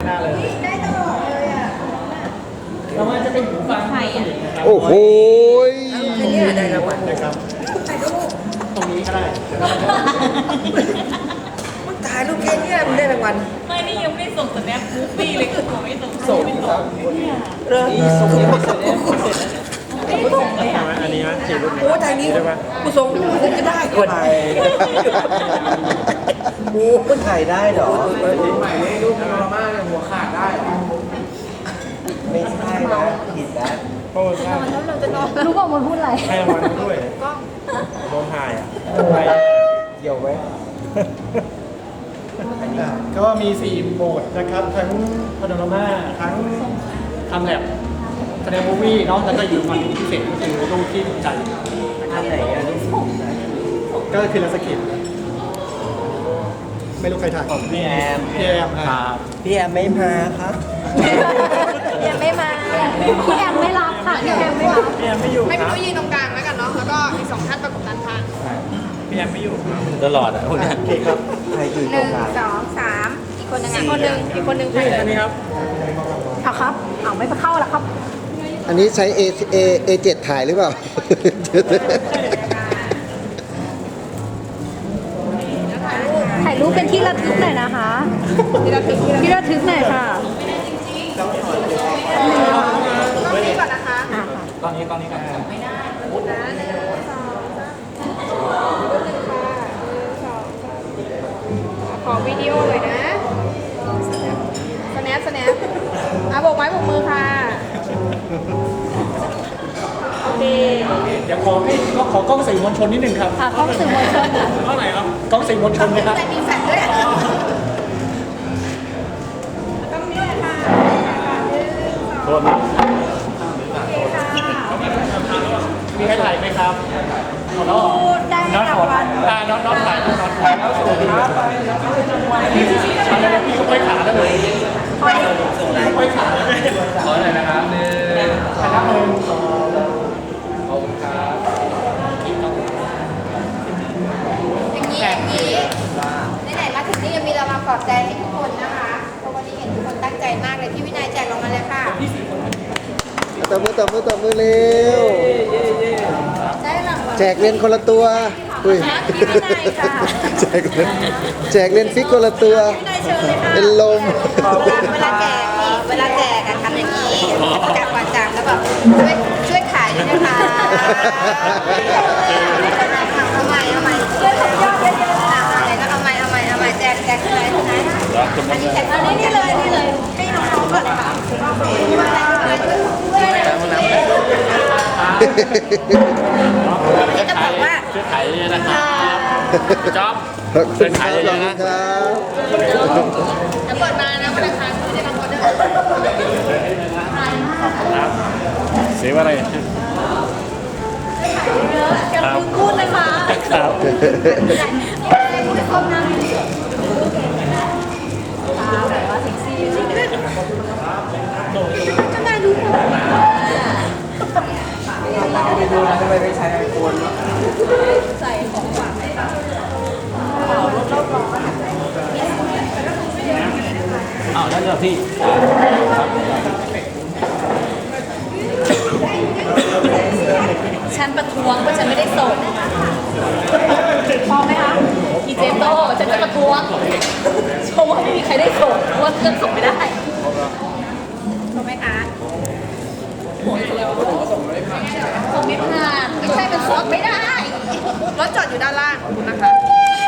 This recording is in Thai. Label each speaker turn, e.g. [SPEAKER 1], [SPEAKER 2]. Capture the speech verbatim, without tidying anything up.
[SPEAKER 1] หน้าเลยได้ตลอดเลยอ่ะแล้วมันจะเป็นหูฟังไทยอ่ะ
[SPEAKER 2] โอ้โห
[SPEAKER 1] แค่นี้ได้รางวัลนะครับถ่ายรูปตรงนี้ก็ได้มึงถ่ายรูปแค่นี้มึงได้รางวัล
[SPEAKER 3] ไม่นี่ยังไม่ได้ส่งสแนปมูฟฟี่เลยคือผมไม่ส่ง
[SPEAKER 1] ส่งครับเริ่มส่งยังไม่เสร็จเลย
[SPEAKER 3] ไม่ส่งเลยอ่ะ
[SPEAKER 4] อันนี้นะสี่รูป
[SPEAKER 1] โอ้ทางนี้กูส่งมึงจะได้ก่อนกูมึงถ่ายได้เหรอใหม่รูปพาโนรามาเนี่ยหัวขาดได้ไม่ใช่นะผิดนะ
[SPEAKER 4] โอ้ใช่
[SPEAKER 3] รู้ป่าวมันพูดอะไร
[SPEAKER 4] ให้รางวัลด้วยโดนถ่ายอ่ะถ่าย
[SPEAKER 1] เกี่ยวไหม
[SPEAKER 4] ก็มีสี่โหมดนะครับทั้งพาโนรามาทั้งทำแลบแสดงมูฟวี่เนาะแล้วก็อยู่มันพิเศษก็คือรูปที่ถูกใจ
[SPEAKER 1] อันไหนอ่ะ
[SPEAKER 4] ก็คือลาสกิปไม่รู้ใครถ่าย
[SPEAKER 1] พี่แอม
[SPEAKER 4] พี่แอมครับ
[SPEAKER 1] พี่แอมไม่มาครับ
[SPEAKER 3] ยังไม่มาพี่แอมไม่รับค่ะพี่แอมไม่รับ
[SPEAKER 4] พี่แอมไม่อยู่
[SPEAKER 5] ให้
[SPEAKER 4] ค
[SPEAKER 5] พี่
[SPEAKER 4] รับ
[SPEAKER 5] นุ้ยยืนตรงกลางแล้วกันเนาะ แล้วก็อีกสองท่านประกบด้านข้าง
[SPEAKER 4] พี่แอมไม่อยู่ครับ
[SPEAKER 2] ตลอดอ่ะพวกนี้
[SPEAKER 4] โอเคครับ
[SPEAKER 1] ใครอยู่
[SPEAKER 5] ห
[SPEAKER 1] ตร
[SPEAKER 5] นึ่
[SPEAKER 1] ง
[SPEAKER 5] ง
[SPEAKER 1] กลาง
[SPEAKER 5] สองสามอีกคนหนึ่งอีกคนหนึ่งอีกคนหนึ่งใคร
[SPEAKER 4] นี่
[SPEAKER 5] เอ่
[SPEAKER 4] อัน
[SPEAKER 5] ย
[SPEAKER 4] นี้ครับ
[SPEAKER 3] เอาครับเอาไม่ไปเข้าแล้วครับ
[SPEAKER 2] อันนี้ใช้ A A A เจ็ดถ่ายหรือเปล่า
[SPEAKER 3] ถ่ายรูปเป็นที่ระทึกหน่อยนะคะ
[SPEAKER 5] ที่เราถึงที่เรา
[SPEAKER 3] ที่ระทึกหน่อยค่ะ
[SPEAKER 5] ต้องนี้ก่อนนะคะ
[SPEAKER 3] อ่ะค่ะ
[SPEAKER 4] ตอนนี้ตอนนี้ครับ
[SPEAKER 5] นะหนึ่งสองสามหนึ่งค่ะหนึ่งสองสามขอวิดีโอเลยนะสแนปสแนปอ่ะโบกไม้โบกมือค่ะโอเค
[SPEAKER 4] เดี๋ยวขอให้ก็ขอกล้องสื่อมวลชนนิดนึงครับ
[SPEAKER 3] ค่ะกล้องสื่อมวลชน
[SPEAKER 4] เท่าไหร่ครับกล้องสื่อมวลชนนะครับ
[SPEAKER 5] แต่มีแฟลชด้วยต้องนี้เลยค่ะหนึ่งสอง
[SPEAKER 4] โทษนะ
[SPEAKER 5] โอเคค่ะ
[SPEAKER 4] มีใครถ่ายไหมครับเอาแล้ว
[SPEAKER 5] ได้
[SPEAKER 4] น้อง
[SPEAKER 5] รา
[SPEAKER 4] ขอ
[SPEAKER 5] งวัล
[SPEAKER 4] อ่าน้องน้องถ่ายน้องน้องถ่ายแล้วสวัสดีครับอะไรนะพี่เขาค่อยขาแล้วเลยค่อยขาขอหน่อยนะครับหนึ่งคณะหนึ่งสองขอบคุณครับ
[SPEAKER 5] อย่างนี้อย่างนี้ไหนๆมาถึงนี่ยังมีเรามาปลอบใจให้ทุกคนนะคะเพราะวันนี้เห็นทุกคนตั้งใจมากเลยพี่วินัยแจกลงมาเลยค่ะ
[SPEAKER 2] ตบมือตบมือตบมือเร็ว
[SPEAKER 5] ได้รางวัล
[SPEAKER 2] แจกเรียนคนละตัวอุ้ย
[SPEAKER 3] พี่วินัยค่ะ
[SPEAKER 2] แจกเรียนแจกเรียนฟิกคนละตัว
[SPEAKER 5] วินัยเชิญเลยค่ะ
[SPEAKER 2] เป็นลม
[SPEAKER 5] เวลาแจกนี่เวลาแจกอะทำอย่างนี้ประกาศวางจากแล้วแบบช่วยช่วยขายด้วยนะคะเอาใหม่เอาใหม่ช่วยทำยอดเยอะๆนะเอาใหม่เอาใหม่เอาใหม่เอาใหม่แจกแจกที่ไหนที่ไหนอันนี้แจกอันนี้นี่เลยนี่เลยให้น้องๆก่อนเลยค่ะช่วยช่วยนี่จะบอกว่า
[SPEAKER 4] ช่วยถ่ายเลยนะครับจ๊อบ
[SPEAKER 2] ขอบคุณครับขอบคุณครับ
[SPEAKER 5] จะเปิดมานะวันอังคารไม่ได้รับออเดอร์
[SPEAKER 4] เสียว่าอะไร
[SPEAKER 3] อย่าลืมพูดนะคะ
[SPEAKER 4] ครับ
[SPEAKER 3] พูดคำนั้นตาแบบว่าเซ็กซี่ก็ได้ดูค่ะ
[SPEAKER 1] ไปดูนะทำไมไม่ใช้ไอโฟน
[SPEAKER 3] ใส่ของฝากให้เรา
[SPEAKER 4] อ้าวแล้วเดี๋ยวพี่
[SPEAKER 3] ฉันประท้วงว่าฉันไม่ได้ส่งพอไหมคะอีเจมโต้ฉันจะประท้วงเพราะว่าไม่มีใครได้ส่งเพราะว่าเครื่องส่งไม่ได้
[SPEAKER 5] ถูกไหมคะ
[SPEAKER 3] ส่งไม่ผ่านไม่ใช่มันส่งไม่ได้
[SPEAKER 5] รถจอดอยู่ด้านล่างขอบคุณนะคะ